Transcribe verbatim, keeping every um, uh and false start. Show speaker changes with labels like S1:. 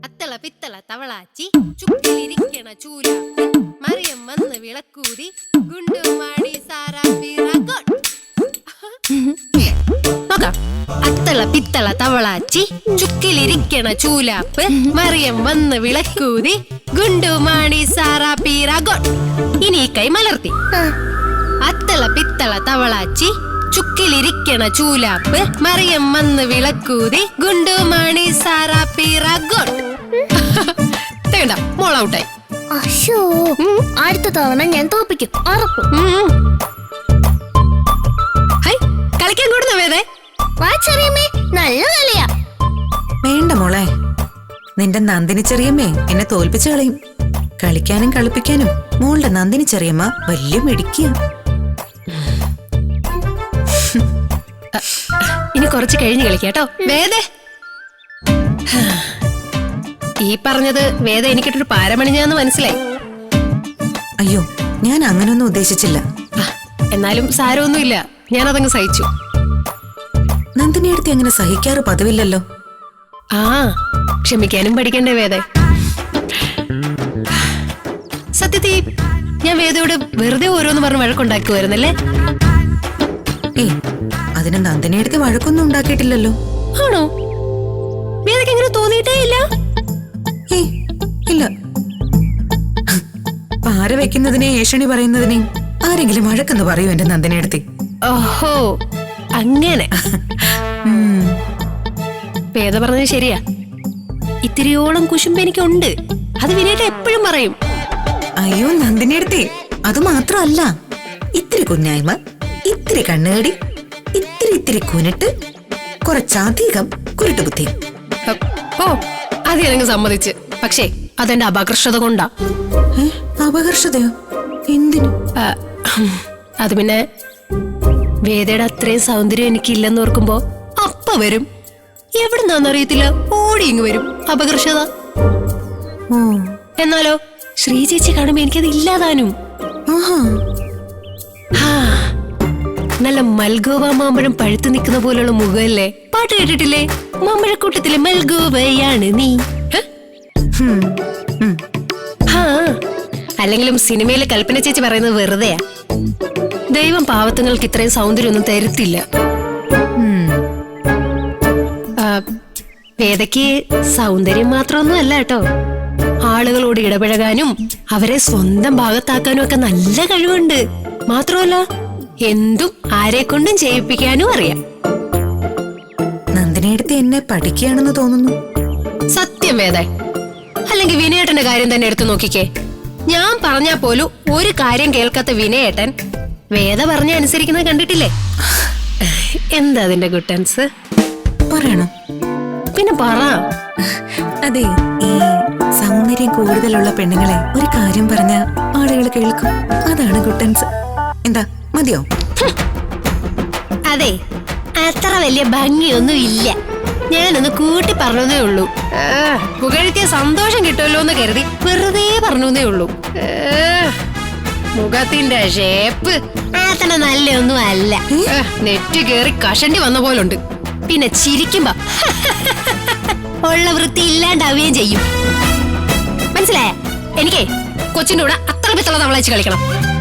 S1: അത്തള പിത്തള തവളാച്ചി ചുക്കിലിരിക്കണ ചൂല മറിയം വന്ന് വിളക്കൂതി ഗുണ്ടുമാടി സാറാ നോക്കാം. അത്തള പിത്തള തവളാച്ചി ചുക്കിലിരിക്കണ ചൂലാപ്പ് മറിയം വന്ന് വിളക്കൂതി ഗുണ്ടുമാണി സാറാ പീറാഗോട്ട്. ഇനി ഈ കൈ മലർത്തി. അത്തള പിത്തള തവളാച്ചി ചുക്കിലിരിക്കണ ചൂലാപ്പ് മറിയം വന്ന് വിളക്കൂതി ഗുണ്ടുമാണി സാറാ പീറാഗോട്ട്. തേണ്ട മോൾ ഔട്ടായി.
S2: അടുത്ത തവണ ഞാൻ തോപ്പിക്കും ഉറപ്പ്.
S1: കളിക്കാൻ കൂടുന്ന വേദേ
S2: നല്ല കളിയാ.
S3: വേണ്ട മോളെ, നിന്റെ നന്ദിനി ചെറിയമ്മേ എന്നെ തോൽപ്പിച്ചു കളയും. കളിക്കാനും കളിപ്പിക്കാനും മോളുടെ നന്ദിനി ചെറിയമ്മ വലിയ മിടുക്കിയ.
S1: ഇനി കുറച്ച് കഴിഞ്ഞ് കളിക്കാട്ടോ വേദേ. ഈ പറഞ്ഞത് വേദ എനിക്കിട്ടൊരു പാരമണിഞ്ഞാന്ന് മനസ്സിലായി.
S3: അയ്യോ, ഞാൻ അങ്ങനൊന്നും ഉദ്ദേശിച്ചില്ല.
S1: എന്നാലും സാരമൊന്നുമില്ല, ഞാനതങ്ങ് സഹിച്ചു.
S3: നന്ദിനിയെടുത്ത് അങ്ങനെ സഹിക്കാറ് പതിവില്ലല്ലോ.
S1: ആ, ക്ഷമിക്കാനും പഠിക്കണ്ടേ വേദ. സത്യത്തിൽ ഞാൻ വേദയോട് വെറുതെ ഓരോന്ന് പറഞ്ഞ് വഴക്കുണ്ടാക്കുമായിരുന്നല്ലേ?
S3: ഏ, അതിന് നന്ദിനിയെടുത്ത് വഴക്കൊന്നും ഉണ്ടാക്കിയിട്ടില്ലല്ലോ.
S1: ആണോ? വേദയ്ക്ക് എങ്ങനെ തോന്നിയിട്ടേ ഇല്ല?
S3: ഏ ഇല്ല. പാര വെക്കുന്നതിനെ ഏഷണി പറയുന്നതിനെ ആരെങ്കിലും വഴക്കെന്ന് പറയൂ എന്റെ നന്ദിനിയെടുത്ത്?
S1: ഓഹോ, അങ്ങനെ. വേദ പറഞ്ഞത് ശരിയാ. ഇത്തിരിയോളം കുശുമ്പ് എനിക്കുണ്ട്. അത് വിനേട്ട എപ്പോഴും പറയും.
S3: അയ്യോ നന്ദിനിയെടുത്തേ, അത് മാത്രമല്ല, ഇത്തിരി കുഞ്ഞായ്മ, ഇത്തിരി കണ്ണേടി, ഇത്തിരി ഇത്തിരി കുനിട്ട്, കുറച്ചധികം കുരുട്ടുബുദ്ധി.
S1: ഓ, അത് ഞാനങ്ങ് സമ്മതിച്ച്. പക്ഷേ അതെന്റെ അപകർഷത കൊണ്ടാ.
S3: അപകർഷതയോ? എന്തിനു?
S1: അത് പിന്നെ വേദയുടെ അത്രയും സൗന്ദര്യം എനിക്കില്ലെന്ന് ഓർക്കുമ്പോ അപ്പ വരും. എവിടുന്നാന്നറിയത്തില്ല, ഓടി ഇങ്ങ് വരും അപകർഷത. എന്നാലോ ശ്രീ ചേച്ചി കാണുമ്പോ എനിക്കത് ഇല്ലാതാനും. നല്ല മൽഗോവ മാമ്പഴം പഴുത്തു നിൽക്കുന്ന പോലുള്ള മുഖമല്ലേ? പാട്ട് കേട്ടിട്ടില്ലേ? മാമ്പഴക്കൂട്ടത്തിലെ മൽഗോവയാണ് നീ. അല്ലെങ്കിലും സിനിമയിലെ കൽപ്പന ചേച്ചി പറയുന്നത് വെറുതെയാ. ദൈവം പാവത്തുങ്ങൾക്ക് ഇത്രയും സൗന്ദര്യമൊന്നും തരുത്തില്ല. വേദയ്ക്ക് സൗന്ദര്യം മാത്രമൊന്നും അല്ല കേട്ടോ, ആളുകളോട് ഇടപഴകാനും അവരെ സ്വന്തം ഭാഗത്താക്കാനും ഒക്കെ നല്ല കഴിവുണ്ട്. മാത്രമല്ല എന്തും ആരെ കൊണ്ടും ചെയ്യിപ്പിക്കാനും അറിയാം.
S3: നന്ദിനിയെടുത്ത് എന്നെ പഠിക്കുകയാണെന്ന് തോന്നുന്നു.
S1: സത്യം വേദ. അല്ലെങ്കിൽ വിനയേട്ടന്റെ കാര്യം തന്നെ എടുത്തു നോക്കിക്കേ. ഞാൻ പറഞ്ഞാ പോലും ഒരു കാര്യം കേൾക്കാത്ത വിനയേട്ടൻ വേദ പറഞ്ഞ അനുസരിക്കുന്നത് കണ്ടിട്ടില്ലേ? എന്താ അതിന്റെ ഗുട്ടൻസ്?
S3: പറയണോ?
S1: പിന്നെ പറ.
S3: അതെ, ഈ സൗന്ദര്യം കൂടുതലുള്ള പെണ്ണുങ്ങളെ ഒരു കാര്യം പറഞ്ഞ ആളുകൾ കേൾക്കും. അതാണ് ഗുട്ടൻസ്. എന്താ, മതിയോ?
S1: അതെ, അത്ര വലിയ ഭംഗിയൊന്നും ഇല്ല. ഞാനൊന്ന് കൂട്ടി പറഞ്ഞതേ ഉള്ളൂ. പുകഴ്ത്തിയ സന്തോഷം കിട്ടുമല്ലോ എന്ന് കരുതി വെറുതെ പറഞ്ഞേ ഉള്ളൂ. മുഖത്തിന്റെ ഷേപ്പ് അത്ര നല്ലൊന്നും അല്ല. നെറ്റ് കേറി കഷണ്ടി വന്ന പോലുണ്ട്. പിന്നെ ചിരിക്കുമ്പോ ഉള്ള വൃത്തി ഇല്ലാണ്ടാവുകയും ചെയ്യും. മനസ്സിലായ? എനിക്കേ കൊച്ചിന്റെ കൂടെ അത്ര പിത്തള തവളച്ച് കളിക്കണം.